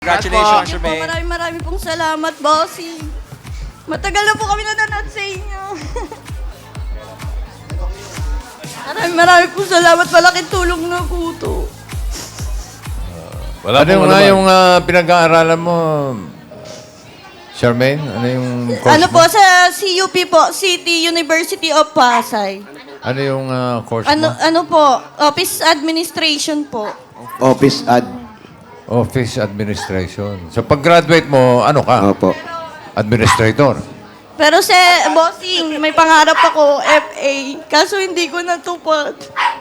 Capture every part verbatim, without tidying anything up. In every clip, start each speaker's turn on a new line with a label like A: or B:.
A: Congratulations,
B: Thank you po.
A: Jermaine.
B: Maraming maraming pong salamat, bossing. Matagal na po kami nanonood sa inyo. maraming maraming pong salamat. Malaking tulong na po to.
C: Wala ano yung, nga yung uh, pinag-aaralan mo, Charmaine? Ano yung course
B: Ano
C: mo?
B: po, sa C U P po, City University of Pasay.
C: Ano yung uh, course
B: Ano,
C: mo?
B: ano po, Office Administration po.
D: Office ad.
C: Office Administration. So pag-graduate mo, ano ka?
D: Opo.
C: Administrator.
B: Pero sa bossing, may pangarap ako, F A. Kaso hindi ko natupad.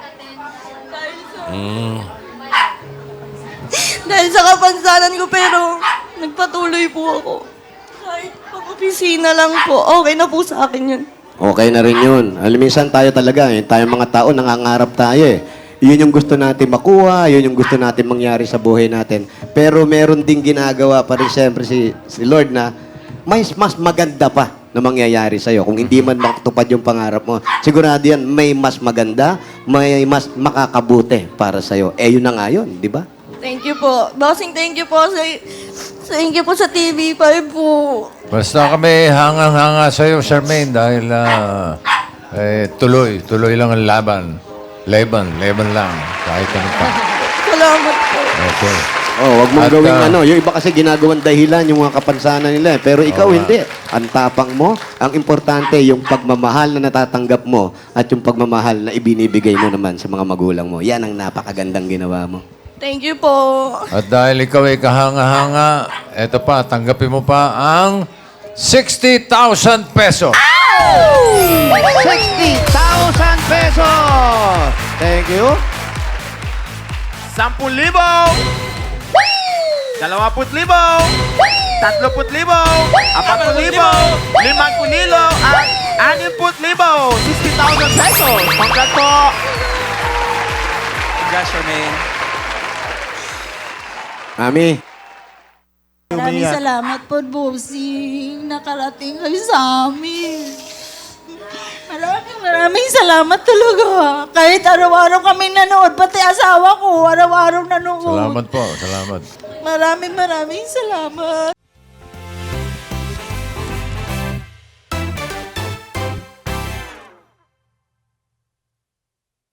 C: Mm.
B: Dahil sa kapansanan ko, pero nagpatuloy po ako. Kahit pag-opisina lang po, okay na po sa akin yun.
D: Okay na rin yun. Alam, minsan tayo talaga, eh, tayo mga tao, nangangarap tayo eh. Yun yung gusto natin makuha, yun yung gusto natin mangyari sa buhay natin. Pero meron ding ginagawa pa rin siyempre si, si Lord na may mas maganda pa na mangyayari sa'yo. Kung hindi man makatupad yung pangarap mo, sigurado yan, may mas maganda, may mas makakabuti para sa'yo. Eh, yun na nga yun, di ba?
B: Thank you po. Bossing, thank you po sa... Thank you po sa T V five po.
C: Basta kami hangang-hanga sa'yo, Charmaine, dahil uh, eh, tuloy, tuloy lang ang laban. Laban, laban lang. Kahit ano pa.
B: Salamat po.
C: Okay.
D: Oh, wag mong
C: At,
D: gawing
C: ah,
D: ano. Yung iba kasi ginagawang dahilan yung mga kapansanan nila. eh. Pero ikaw
C: Oo,
D: hindi. Ang tapang mo, ang importante yung pagmamahal na natatanggap mo at yung pagmamahal na ibinibigay mo naman sa mga magulang mo. Yan ang napakagandang ginawa mo.
B: Thank you po.
C: At dahil ikaw ay kahanga-hanga, eto pa, tanggapin mo pa ang sixty thousand peso.
D: sixty thousand pesos! Thank you.
A: Sampung libo! Dalawamput libo! Tatloput libo! Apamput libo! Limangput libo! At animput libo! sixty thousand pesos! Congrats po! Congrats, Jermaine.
D: Mami,
E: Maraming salamat po, Bossing. Nakarating kayo sa amin. Maraming maraming salamat talaga. Kahit araw-araw kami nanood, pati asawa ko, araw-araw nanood.
C: Salamat po, salamat.
E: Maraming maraming salamat.